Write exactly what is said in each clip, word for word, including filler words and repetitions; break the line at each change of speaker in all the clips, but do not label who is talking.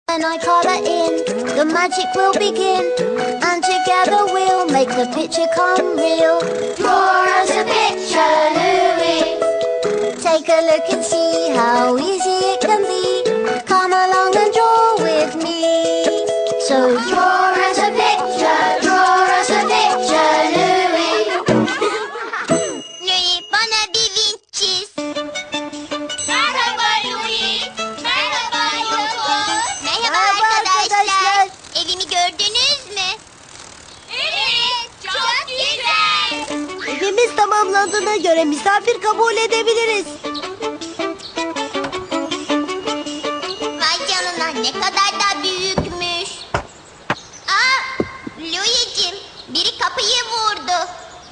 When I color in, the magic will begin, and together we'll make the picture come real. Draw us a picture, Louie. Take a look and see how easy it can be. Come along and draw with me. So draw us a picture, draw us a picture, Louie.
Louie, bana bir vinç çiz. Merhaba Louie. Merhaba Yoko. Merhaba,
Merhaba
arkadaşlar.
arkadaşlar.
Evimi gördünüz mü? Evet, çok güzel.
Evimiz tamamlandığına göre misafir kabul edebiliriz.
Vay canına, ne kadar da büyükmüş. Aa, Louie'cim, biri kapıyı vurdu.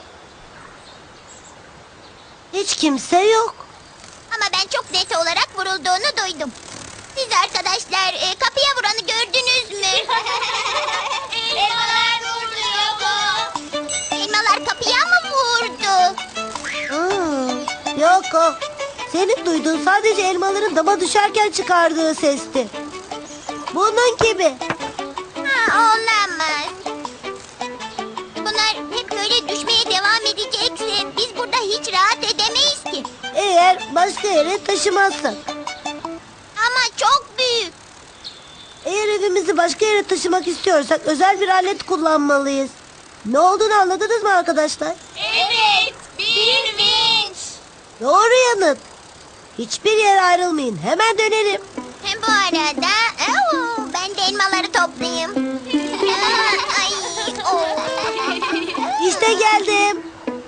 Hiç kimse yok.
Ama ben çok net olarak vurulduğunu duydum. Siz arkadaşlar e, kapıya vuranı gördünüz mü? Elmalar vurdu Yoko. Elmalar kapıya mı vurdu?
Hmm, yok o. Senin duyduğun sadece elmaların dama düşerken çıkardığı sesti. Bunun gibi.
Ha, olamaz. Bunlar hep böyle düşmeye devam edecekse biz burada hiç rahat edemeyiz ki.
Eğer başka yere taşımazsak.
Ama çok büyük.
Eğer evimizi başka yere taşımak istiyorsak özel bir alet kullanmalıyız. Ne olduğunu anladınız mı arkadaşlar?
Evet, bir vinç.
Doğru yanıt. Hiçbir yere ayrılmayın. Hemen dönelim.
Hem bu arada oo, ben de elmaları toplayayım. Ay, oo.
İşte geldim.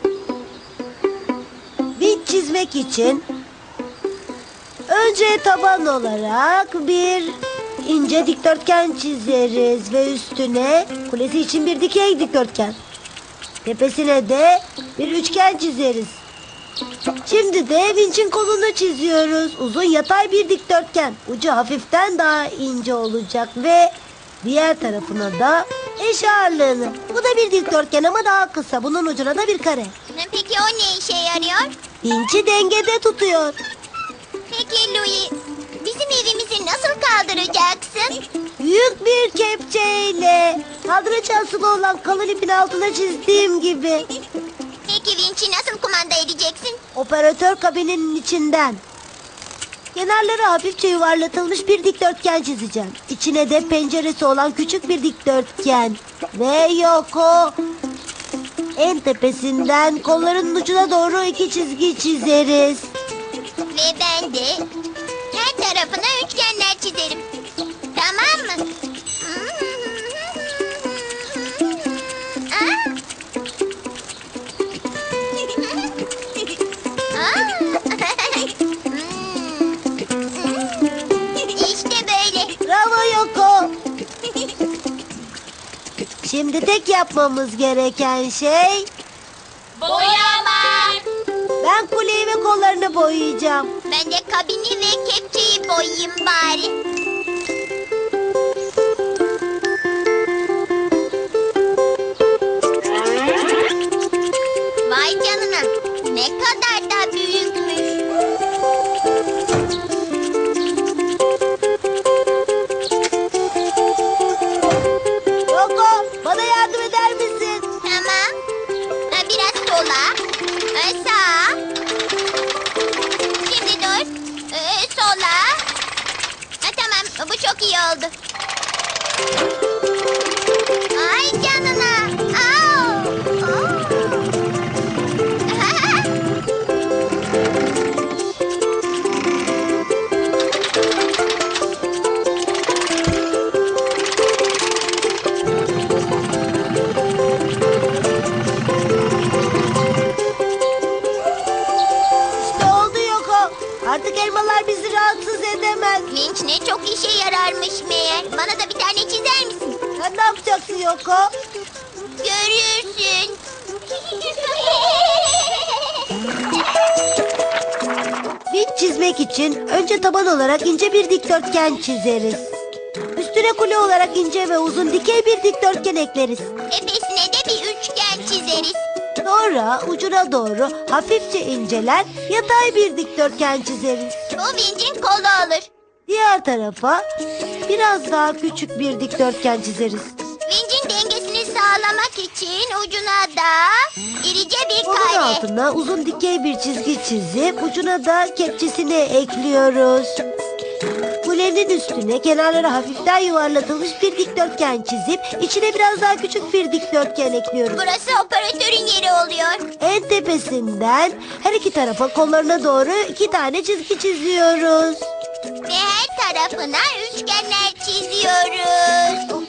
Vinç çizmek için önce taban olarak bir ince dikdörtgen çizeriz ve üstüne kulesi için bir dikey dikdörtgen. Tepesine de bir üçgen çizeriz. Şimdi de vinçin kolunu çiziyoruz. Uzun yatay bir dikdörtgen. Ucu hafiften daha ince olacak ve diğer tarafına da eş ağırlığını. Bu da bir dikdörtgen ama daha kısa. Bunun ucuna da bir kare.
Peki o ne işe yarıyor?
Vinçi dengede tutuyor.
Peki Louie, bizim evimizi nasıl kaldıracaksın?
Büyük bir kepçeyle. Kaldırıcı asılı olan kalın ipin altına çizdiğim gibi.
Peki vinçi nasıl kumanda edeceksin?
Operatör kabininin içinden. Kenarları hafifçe yuvarlatılmış bir dikdörtgen çizeceğim. İçine de penceresi olan küçük bir dikdörtgen. Ve yok o. En tepesinden kolların ucuna doğru iki çizgi çizeriz.
Ve ben de her tarafına üçgenler çizerim. Tamam mı? Aa. Aa. İşte böyle.
Bravo Yoko. Şimdi tek yapmamız gereken şey...
Boyamak.
Ben kuleyi ve kollarını boyayacağım.
Ben de kabini ve kepçeyi boyayayım bari. Vay canına, ne kadar da büyükmüş.
Yoko, bana yardım eder misin?
Tamam. Ha, biraz sola, ha, sağa. Şimdi dur, Ee, sola. Ha, tamam, bu çok iyi oldu. Ay canına. Au. Oo.
İşte oldu Yoko. Artık elmalar bizi rahatsız edemez.
Vinç ne çok işe yararmış meğer. Bana da bir tane çizer misin?
Sen ne yapacaksın Yoko?
Görürsün.
Vinç çizmek için önce taban olarak ince bir dikdörtgen çizeriz. Üstüne kule olarak ince ve uzun dikey bir dikdörtgen ekleriz.
Tepesine de bir üçgen çizeriz.
Sonra ucuna doğru hafifçe inceler yatay bir dikdörtgen çizeriz.
Bu vincin kolu olur.
Diğer tarafa biraz daha küçük bir dikdörtgen çizeriz.
Vincin dengesini sağlamak için ucuna da irice bir
Onun
kare.
altına uzun dikey bir çizgi çizip ucuna da kepçesini ekliyoruz. Kulenin üstüne kenarları hafiften yuvarlatılmış bir dikdörtgen çizip içine biraz daha küçük bir dikdörtgen ekliyoruz.
Burası operatörün yeri oluyor.
En tepesinden her iki tarafa kollarına doğru iki tane çizgi çiziyoruz.
Ve her tarafına üçgenler çiziyoruz.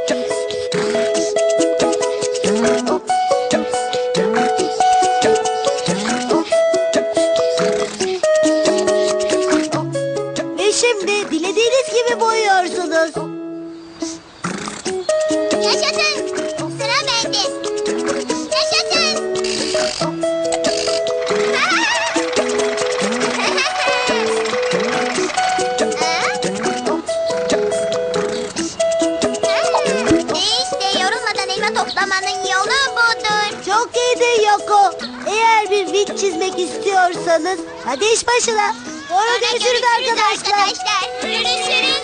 Ve şimdi dilediğiniz gibi boyuyorsunuz.
Yaşasın. Sıra bende. Yaşasın. İşte yorulmadan elma toplamanın yolu budur.
Çok iyiydi Yoko. Eğer bir vinç çizmek istiyorsanız hadi iş başına. Sonra
Sonra
görüşürüz arkadaşlar.
arkadaşlar. Görüşürüz.